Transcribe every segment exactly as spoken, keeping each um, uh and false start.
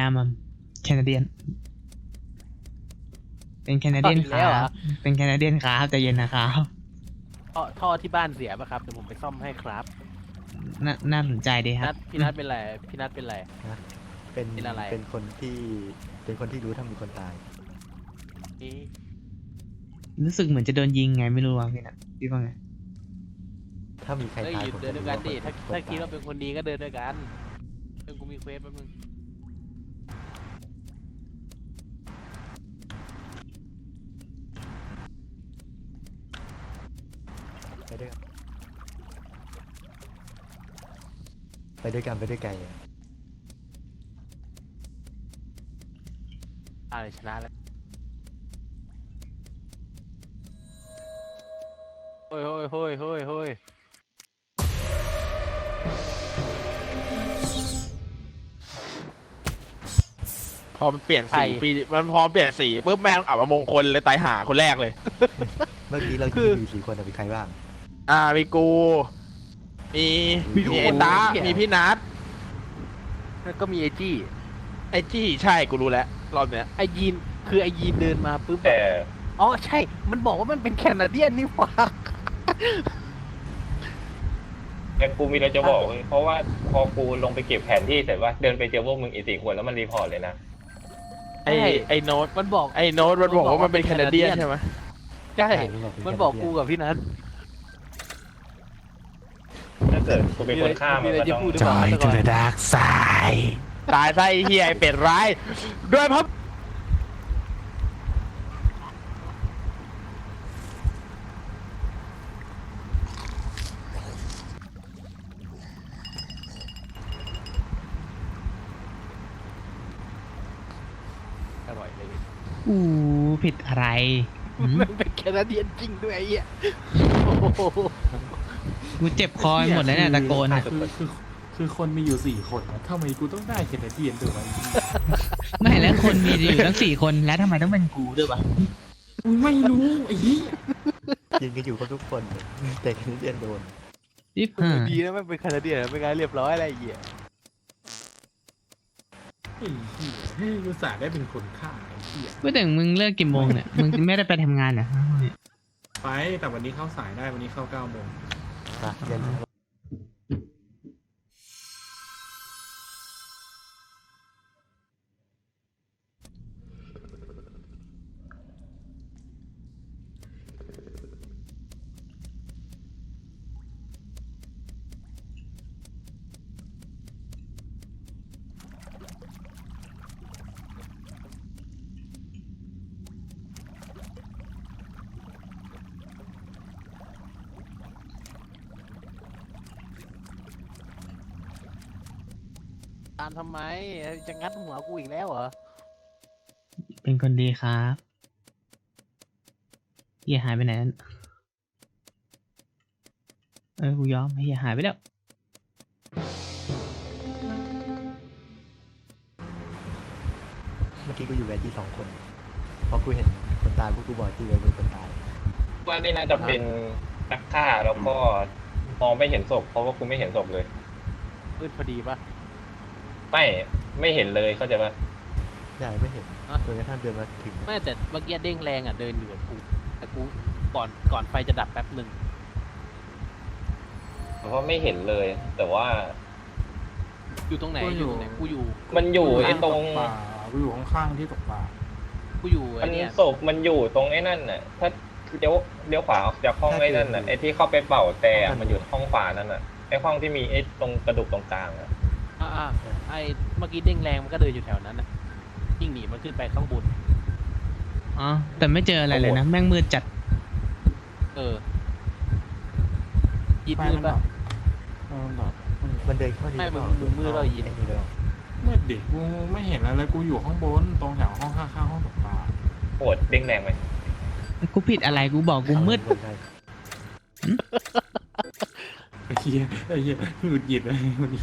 มัมแคนาเดียนเป็นแคนาเดียนครับเป็นแคนาเดียนครับใจเย็นนะครับท่อท่อที่บ้านเสียป่ะครับเดี๋ยวผมไปซ่อมให้ครับน่าน่าสนใจดีคนัรัดบพี่นัดเป็นไรพี่นัดเป็นไรนะเป็นเป็นอะไรเป็นคนที่เป็นคนที่รู้ถ้ามีคนตายนี่รู้สึกเหมือนจะโดนยิงไงไม่รู้ว่าพี่นะพี่ว่าไงถ้ามีใครเอ้ยตายหยุดผมเดิจะนด้วยรู้กันว่าดิคนถ้าคนถ้าคิดตายว่าเป็นคนดีก็เดินด้วยกันเดี๋ยวกูมีเควสแป๊บนึงไปด้วยกันไปด้วยกันไปด้วยกันอะไรชนะแล้วเฮ้ยเฮ้ยเฮ้ยเฮ้ยเฮ้ยพอมันเปลี่ยนสีปีมันพอเปลี่ยนสีปุ๊บแม่งอับมงคลเลยตายหาคนแรกเลยเมื่อกี้เราคือมีสี่คนอะมีใครบ้างอ่ามีกูมีมีเอตามีพี่นัทแล้วก็มีไอจี้ไอจี้ใช่กูรู้แล้วรอบเนี้ยไอยีนคือไอยีนเดินมาปุ๊บแต่อ๋อใช่มันบอกว่ามันเป็นแคนาเดียนนี่หว่าแต่กูมีอะไรจะบอกเว้ยเพราะว่าพอกูลงไปเก็บแผนที่เสร็จว่าเดินไปเจอพวกมึงอีกสี่คนแล้วมันรีพอร์ตเลยนะไอไอโน้ตมันบอกไอโน้ตมันบอกว่ามันเป็นแคนาเดียนใช่ไหมใช่ใช่มันบอกเป็นมันบอกแคนาเดียนกูกับพี่นัทถ้าเกิดกูเป็นคนฆ่ามันก็ต้องจอยทูเดอะดาร์กไซตายซะไอเฮียไอเป็ดร้ายด้วยเพราะอร่อยเลยอู้ผิดอะไรหืมมันเป็นแคนาเดียนจริงด้วยไอ้เหี้ยโอ้โหกูเจ็บคอหมดแล้วเนี่ยตะโกนอะคือคือคือคนมีอยู่สี่คนนะทำไมกูต้องได้แคนาเดียนด้วยวะไม่แล้วคนมีอยู่ตั้งสี่คนแล้วทำไมต้องเป็นกูด้วยวะกูไม่รู้ไอ้เหี้ยยิงกันอยู่ครบทุกคนแต่คนเดียนโดนยิบห้าดีนะมันเป็นแคนาเดียนไม่งั้นเรียบร้อยอะไรไอ้เหี้ยไอ้เหี้ยให้กูสาได้เป็นคนฆ่าไอ้เหี้ยเมื่อถึงมึงเลิกกี่โมงเนี่ยมึงไม่ได้ไปทำงานเหรอไปแต่วันนี้เข้าสายได้วันนี้เข้าเก้าโมงอ่ะเรียนตามทำไมจะงัดหัวกูอีกแล้วเหรอเป็นคนดีครับเฮียหายไปไหนนั่นเออกูยอมเฮียหายไปแล้วเมื่อกี้กูอยู่แวนที่สองคนพอกูเห็นคนตายพวกกูบอกที่เวนเป็นคนตายว่านี่น่าจะเป็นนักฆ่าแล้วก็มองไม่เห็นศพเพราะว่ากูไม่เห็นศพเลยมืดพอดีปะไม่ไม่เห็นเลยเข้าใจปะใช่ไม่เห็นอ่ะจนกระทั่งเดินมาถึงไม่แต่เมื่อกี้เด้งแรงอ่ะเดินอยู่กับกูแต่กูก่อนก่อนไฟจะดับแป๊บหนึ่งเพราะว่าไม่เห็นเลย แต่ว่าอยู่ตรงไหนอยู่ตรงไหนกูอยู่มันอยู่ไอ้ตรงป่ากูอยู่ข้างๆที่ตกปลากูอยู่มัไอ้นเนี่ยศพมันอยู่ตรงไอ้นั่นน่ะ ถ้าเลี้ยวเลี้ยวขวาออกจากห้องไอ้นั่นน่ะไอ้ที่เข้าไปเป่าแต่มันอยู่ห้องขวานั่นน่ะไอ้ห้องที่มีไอ้ตรงกระดูกตรงกลางอ่ะอ่าๆไอ้เมื่อกี้เด้งแรงมันก็เดินอยู่แถวนั้นนะยิ่งหนีมันขึ้นไปข้างบนอ๋อแต่ไม่เจออะไรเลยนะแม่งมืดจัดเออยิดไฟมืมัดนดัปะบเออมันดับมันเดินเข้าดีไม่หรือเปล่ามึงมือเรายิงไอ้นี่เลยเมื่อเด็กกูไม่เห็นอะไรเลยกูอยู่ข้างบนตรงแถวห้องข้างๆห้องตกปลาโหดเด้งแรงไหมกูผิดอะไรกูบอกกูมืดใช่ไอ้เหี้ยไอ้เหี้ยหงุดหงิดเลยหงุดหงิด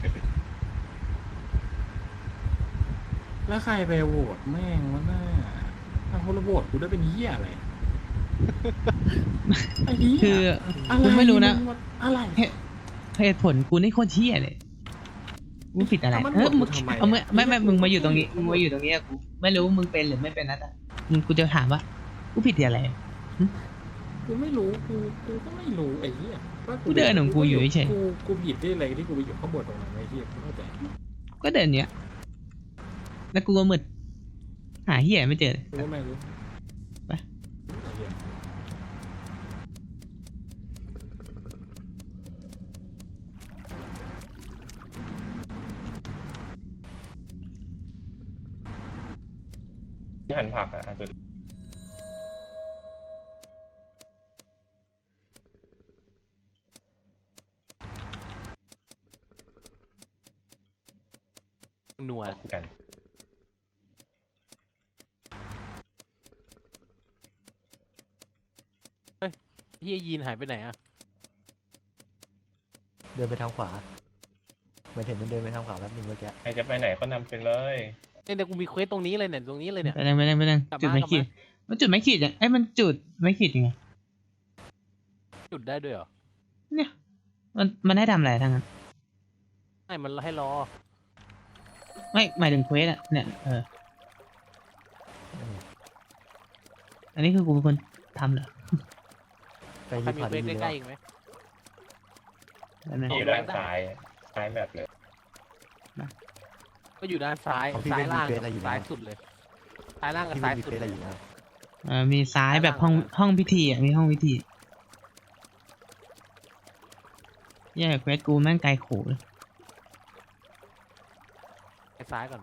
แล้วใครไปโหวตแม่งวะน่าถ้าคนละโหวตกูได้เป็นเหี้ยอะไรไอ้เหี้ยคืออะไรกูไม่รู้นะอะไรเหตุผลกูนี่โคตรเที่ยเลย กูกูผิดอะไรถ้ามันเออหมมึดงกูทำไมเอาไม่อะไม่ไม่กูมึงมาอยู่กูตรงนี้กูมึงมาอยู่ตรงนี้อะกูไม่รู้มึงเป็นหรือไม่เป็นนัดอะมึงกูจะถามว่ากูผิดอะไรกูไม่รู้กูกูก็ไม่รู้ไอ้เหี้ยว่ากูเดินของกูอยู่เฉยกูกูผิดได้อะไรที่กูไปอยู่ข้างบนตรงนั้นไอ้เหี้ยกูเข้าใจก็เดินเนี้ยแล้วกูก็มืดหาเหี้ยไม่เจอกูก็ไม่รู้ไปไอ้เหี้ยที่หั่นผักอ่ะอ่ะสุดนัวกันเฮียยีนหายไปไหนอ่ะเดินไปทางขวาเหมือนเห็นมันเดินไปทางขวาแป๊บนึงเมื่อกี้ใครจะไปไหนก็นำไปเลยเนี่ยเดี๋ยวกูมีเควสตรงนี้เลยเนี่ยตรงนี้เลยเนี่ยไปนั่งไปนั่งไปนั่งกลับจุดมาไม่กลับขีดมามันจุดไม่ขีดยังไอ้ยมันจุดไม่ขีดยังไงจุดได้ด้วยเหรอเนี่ยมันมันให้ทำอะไรทั้งนั้นไม่มันให้รอไม่หมายถึงเควสอะเนี่ยเอออันนี้คือกูเป็นคนทำเหรอไปใครรีมีพอร์ตเควสดีใกแล้ล้ว ๆอีกไหมแล้วนะที่อยู่ด้านซ้ายซ้ายแบบเลยก็อยู่ด้านซ้ายซ้ายล่างกับซ้ายสุดเลยซ้ายล่างกับพี่ซ้ายมีสุดเฟซเลอะไรยอยู่แล้วเออมีซ้ายแบบห้องห้องพิธีอ่ะมีห้องพิธีแย่เควสกูแม่งไกลโขเลยไปซ้ายก่อนไป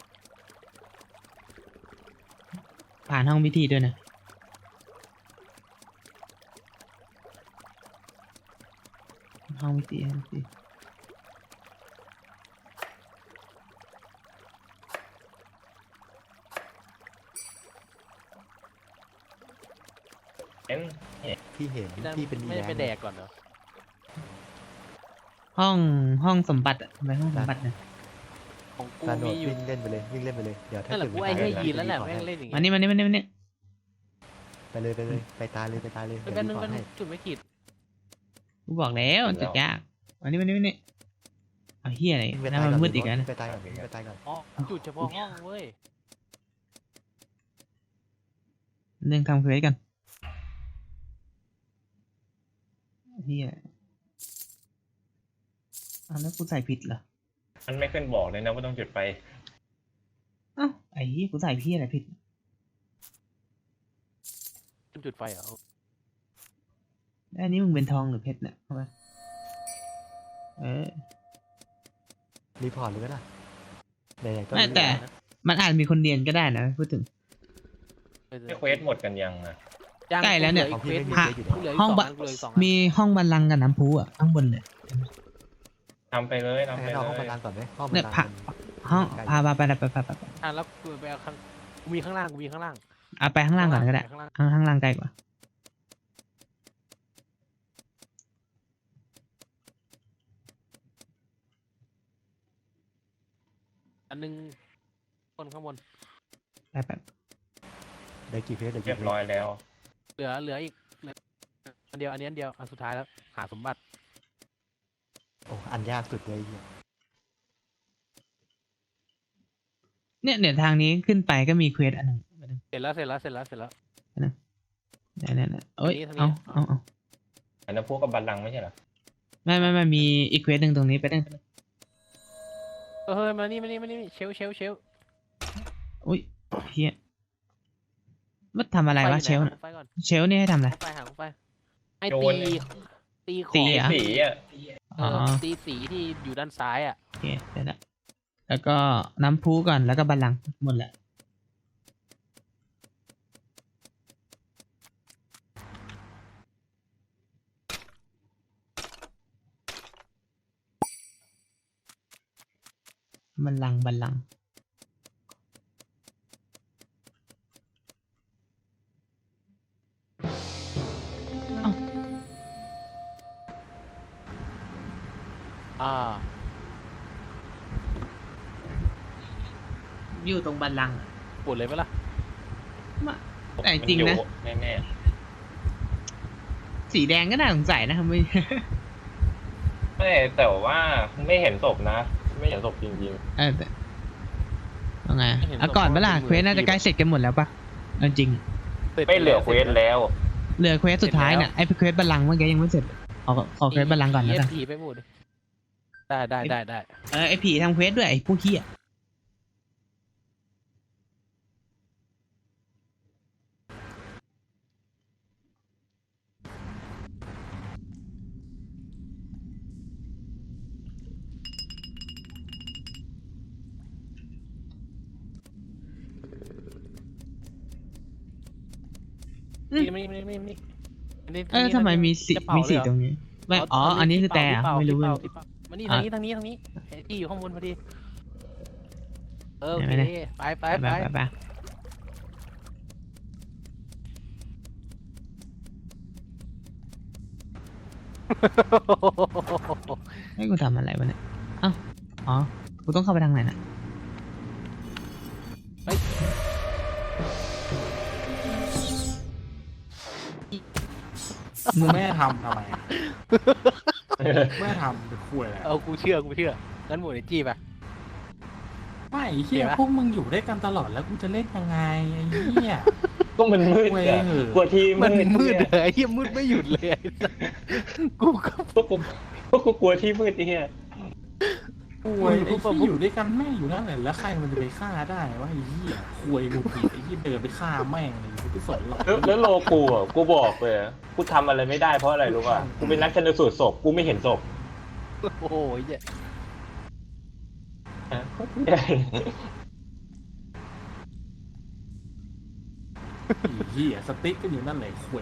ผ่านห้องพิธีด้วยนะห้องพิธีห้องพิธีเอ็นพี่เห็นไม่ได้พี่เป็นไม่ได้ไปแดกก่อนเหรอห้องห้องสมบัติอะไปห้องสมบัตินะของกูการโดมีดอยู่วิ่งเล่นไปเลยวิ่งเล่นไปเลยเดี๋ยวถ้านั่นแหละเกิดกูมันไอ้ตายให้ยีนแล้วแหละจะแม่งรีพอร์ตเล่นอย่างมาเงี้ยนี่มานี่มานี่มานี่ให้ไปเลยไปเลยไปตายเลยไปตายเลยไปเดี๋ยวแป๊บรีนึงพอร์แป๊ตบนึให้งจุดไม่ขีดกูบอกแล้วมันจุดยากมานี่มานี่มานี่เอาเฮียอะไรวิ่งไปนั่นตายมันก่อนมืดอีกแล้ววิ่นะงไปตายก่อนวิ่งไปตายก่อนอ๋อจุดเฉพาะห้องเว้ยเรื่องทำเควสกันเฮียอ้าวแล้วกูใส่ผิดเหรอมันไม่ขึ้นบอกเลยนะว่าต้องจุดไปอ้าวไอ้เฮียกูใส่พี่อะไรผิดจุดไฟเหรอแล้วอันนี้มึงเป็นทองหรือเพชรเนี่ยเข้าไปเออรีพอร์ตเลยก็ได้ไหนๆก็ไม่รู้แต่ล้วมันอาจมีคนเรียนก็ได้นะพูดถึงไม่เควสหมดกันยังอ่ะยังใกล้แล้วเนี่ยกูเหลืออีกพระเควสกูเหลืออีกห้องสองบะอันกูเหลืออีกสองอันมีห้องบัลลังก์กับน้ำพุอ่ะข้างบนเลยทำไปเลยทำไปให้เราเลห้องบัยลลังก์ก่อนไหมห้องบัเนี่ลยลังก์พระมันห้องใกล้พาพาไปไปไปไปไปไปอ่ะแล้วกูไปเอาข้างกูมีข้างล่างกูมีข้างล่างเอาไปข้างล่างก่อนก็ได้ข้างล่างข้างข้างล่างไกลกว่าอันนึงคนข้างบนไปไปได้กี่เฟสได้เรีกี่ยบเฟร้อยสแล้วเหลือเหลืออีกเหลืออันเดียวอันนี้อันเดียวอันสุดท้ายแล้วหาสมบัติโอ้อันยากสุดเลยไอ้เหี้ยเนี่ยเนี่ยทางนี้ขึ้นไปก็มีเควสอันหนึ่งเสร็จแล้วเสร็จแล้วเสร็จแล้วเสร็จแล้วเนี่ยเนี่ยเนี่ยเอ้ยทางนี้เอาเอาเอาอันนั้นพวกกับบัลลังก์ไม่ใช่เหรอไม่ไม่ไม่มีอีกเควสหนึ่งตรงนี้ไปได้เออเฮ้ยมานี่มานี่มานี่เชลเชลเชลอุ้ยเฮียมันทำอะไรวะเชลหาน่ะไฟก่อนเชลนี่ให้ทำอะไรไฟหาไฟไอ้โยตีนเลยตีขตีองเหรอสีอ่ะเออ๋ออตีสีที่อยู่ด้านซ้ายอ่ะโอเคเสร็จแล้วแล้วก็น้ำพุก่อนแล้วก็บัลลังก์หมดแหละบัลลังก์บัลลังก์อ่าอยู่ตรงบัลลังก์อะปวดเลยไหมล่ะแต่จริงนะแน่แน่สีแดงก็น่าสงสัยนะครับไม่ๆไม่แต่ว่าไม่เห็นศพนะไม่เห็นศพจริงเออแต่ว่าไงเอาก่อนเวลาเควสน่าจะใกล้เสร็จกันหมดแล้วปะเอาจริงๆไม่เหลือเควสแล้วเหลือเควสสุดท้ายเนี่ยไอ้เควสบัลลังก์เมื่อกี้ยังไม่เสร็จขอขอเควสบัลลังก์ก่อนนะเอกันฟพีไปหมดเลยได้ได้ได้ได้เออไอ้ผีทำเควสด้วยไอ้ผู้ขี้อ่ะอืมนี่นี่นี่นี่นี่เออทำไมมีสีจะเป่ามีสีเลยเหตรงนี้ไม่อ๋ออันนี้คือแต่อะไม่รู้เป่าว่าที่เป่ามานี่ทางนี้ทางนี้ทางนี้ไอ้ที่อยู่ข้างบนพอดีเออโอไหนเคไหนไปไปไปไปไปไปให้กูทำอะไรวะเนี่ยเอ้าอ๋อกูต้องเข้าไปทางไหนน่ะมึงไม่ได้ทำทำไมอะไม่ได้ทำเป็นคุยอะไรเอากูเชื่อกูเชื่องั้นหมดไอ้จี้ไปไม่ไอ้เหี้ยเห็นปะพวกมึงอยู่ด้วยกันตลอดแล้วกูจะเล่นยังไงไอ้เหี้ยก็มันมืดเว้ยอะกลัวที่มัมืนดมืดเนี่ยเลยไอ้เหี้ยมืดไม่หยุดเลยไอ้สัสกูก็พวกกูพวกกูกลัวที่มืดไอ้เหี้ยคุยไอ้ที่อยู่ด้วยกันแม่งอยู่นั่นแหละแล้วใครมันจะไปฆ่าได้วะไอ้เหี้ยคุยกูผิดไอ้เหี้ยเดินไปฆ่าแม่งเลยกูไม่สนหรอกแล้วแล้วโลกูอ่ะกูบอกเลยกูทำอะไรไม่ได้เพราะอะไรรู้ป่ะกูเป็นนักชันสูตรศพกูไม่เห็นศพโอ้โหเหี้ยฮะไอ้เหี้ยสติ๊กก็อยู่นั่นแหละคุย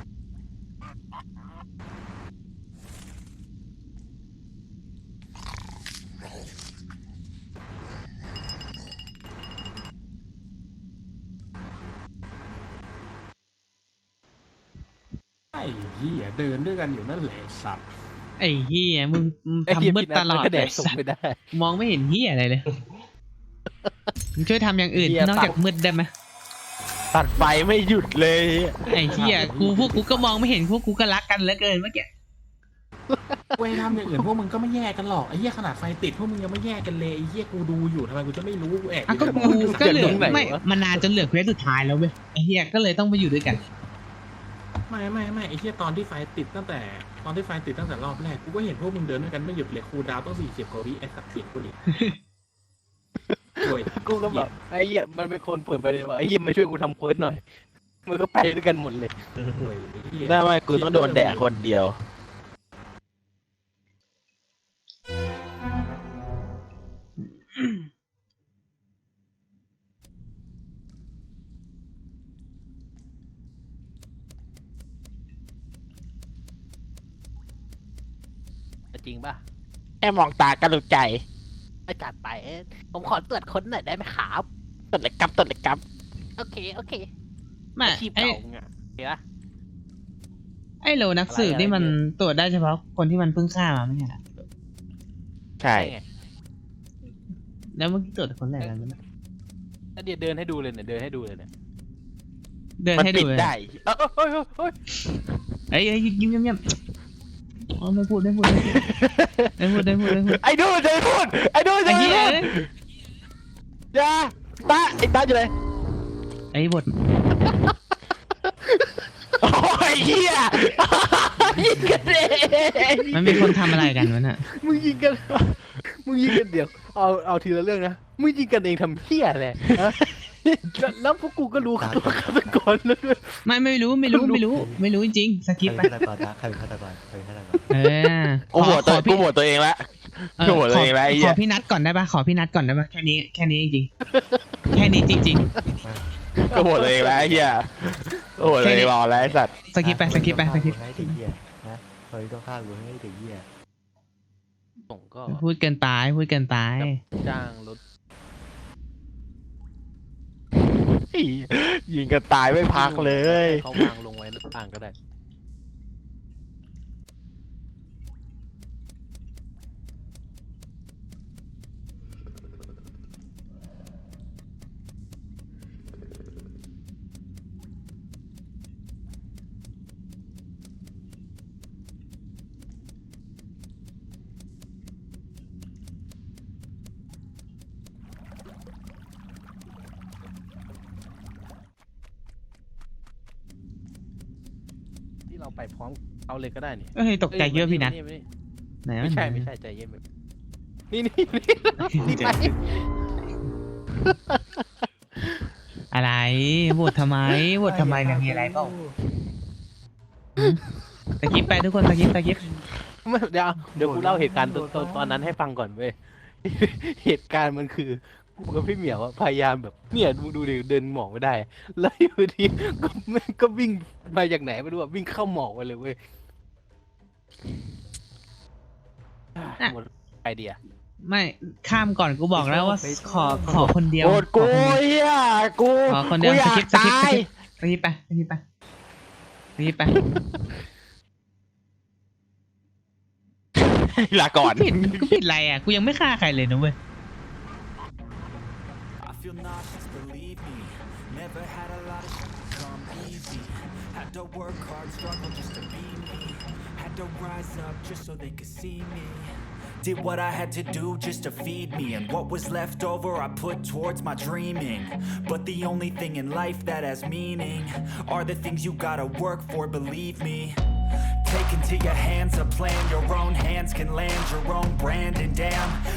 ไอ้เหี้ยเดินด้วยกันอยู่นั่นแหละไอ้สัตว์ไอ้เฮียมึงมึงไอ้เหี้ยทำมืดพี่นัทตลอดมันก็แดเลยกส่งไม่ได้มองไม่เห็นเฮียอะไรเลยมึงช่วยทำอย่างอื่นเหี้ยนอกจากมืดได้ไหมตัดไฟไม่หยุดเลยไอ้เฮียกูพวกกูก็มองไม่เห็นพวกกูก็รักกันเหลือเกินเมื่อกี้เว้ยทำอย่างอื่นพวกมึงก็ไม่แยกกันหรอกไอ้เหี้ยขนาดไฟติดพวกมึงยังไม่แยกกันเลยไอ้เหี้ยกูดูอยู่ทำไมกูจะไม่รู้กูแอบอ่ะอยู่ก็ในกูบ้านก็เหลือตรงไหนไม่วะมันนานจนเหลือเควสสุดท้ายแล้วเว้ยไอ้เฮียก็เลยต้องไปอยู่ด้วยกันไม่ไม่ไม่ไอ้เหี้ยตอนที่ไฟติดตั้งแต่ตอนที่ไฟติดตั้งแต่รอบแรกกูก็เห็นพวกมึงเดินด้วยกันไม่หยุดเลยครูดาวต้องสี่สิบกว่าวิไอ้สัตว์เสียงกูดิโอ้ยกูก็แบบไอ้เหี้ยมันเป็นคนเปิดไปเลยว่าไอ้เหี้ยมาช่วยกูทำเควสหน่อยมันก็ไปด้วยกันหมดเลยโอ้ยอ้เหี้ยได้ไหมกูต้องโดนแดกคนเดียวจริงป่ะแค่มองตาก็รู้ใจไอ้จัดไปผมขอตรวจค้นหน่อยได้ไหมครับตัดเลยกับตัดเลยกับโอเคโอเคไม่อาชีพไอ้เก่าไงเห็นปะไอ้โลนักสืบอะไรนี่มันอะไรตรวจได้เฉพาะคนที่มันเพิ่งฆ่ามาไม่ใช่เหรอใช่ไงแล้วเมื่อกี้ตรวจคนไหนกันนะแล้วเดี๋ยวเดินให้ดูเลยเนี่ยเดินให้ดูเลยเนี่ยเดินมันให้ปิดูดเลยได้เฮ้ยเฮ้ยเฮ้ยเอ้ยเอ้ยยิ้มยิ้มยิ้มอ๋อไม่พูดไม่พูดไม่พูดไม่พูดไม่พูดไม่พูดไอ้ดูจะไม่พูดไอ้ดูจะไอ้ไม่เหี้ยพูดเอ้ยอย่าตาไอ้ตาอยู่ไหนไอ้บทโอ้ยเหี้ยยิงกันเองมันมีคนทำอะไรกันวะน่ะมึงยิงกันมึงยิงกันเดี๋ยวเอาเอาทีละเรื่องนะมึงยิงกันเองทำเหี้ยอะไรฮะแล้วแล้วพวกกูก็รู้กันตัวฆาตกรแล้วด้วยไม่ไม่รู้ไม่รู้ไม่รู้ไม่รู้จริงๆสใครกิปเป็นไปฆาตกรนะใครเป็นฆาตกรใครเป็นฆาตกรเออกูโหวตตัวขอกูโหวตตัวเองละเออกูโหวตตัวเองละไอ้ขเหี้อย พี่นัดก่อนได้ปะขอพี่นัดก่อนได้ปะแค่นี้แค่นี้จริงๆแค่นี้จริงกูโหวตตัวเองละไอ้เหี้ยกูโหวตตัวเองรอแล้วไอ้สัตว์ๆสกิปไปสกิปไปสกิปให้เด็กเหี้ยนะเฮ้ยต้องฆ่ากูให้เด็กเหี้ยส่งก็พูดเกินไปพูดเกินไปจ้างรถยิงกันตายไม่พักเลยเขาวางลงไว้หน้าต่างก็ได้เราไปพร้อมเอาเลยก็ได้นี่เอ้ยตกใจเยอะพี่นัทไม่ไหนไม่ใช่ไม่ใช่ใจเย็นแบบนี่นี่นี่นี่ไปอะไรโหวตทำไมโหวตทำไมเนี่ยมีอะไรเปล่าตะกิปไปทุกคนตะกิปตะกิปไม่เดี๋ยวเดี๋ยวกูเล่าเหตุการณ์ตอนตอนตอนนั้นให้ฟังก่อนเว้ย เหตุการณ์มันคือกูกับพี่เหมียวอะพยายามแบบเนี่ยดูดูดิเดินหมอกไม่ได้ แล้วอยู่ดีก็แม่งก็วิ่งมาจากไหนไม่รู้อะวิ่งเข้าหมอกไปเลยเว้ยอ่ะหมดไอเดียไม่ข้ามก่อนกูบอกแล้วว่าขอขอคนเดียวโกรธกูขอคนเดียวเฮียกูขอคนเดียวกูอยากสกิปสกิปตายสกิปไปสกิปไปสกิปไปลาก่อนกูผิดกูผิดอะไรอ่ะกูยังไม่ฆ่าใครเลยนะเว้ย I feel nauseous, believe me. Never had a lot of shit come easy. Had to work hard, struggle just to be me. Had to rise up just so they could see me. Did what I had to do just to feed me. And what was left over I put towards my dreaming. But the only thing in life that has meaning are the things you gotta work for, believe me. Take into your hands a plan, your own hands can land your own brand. And damn,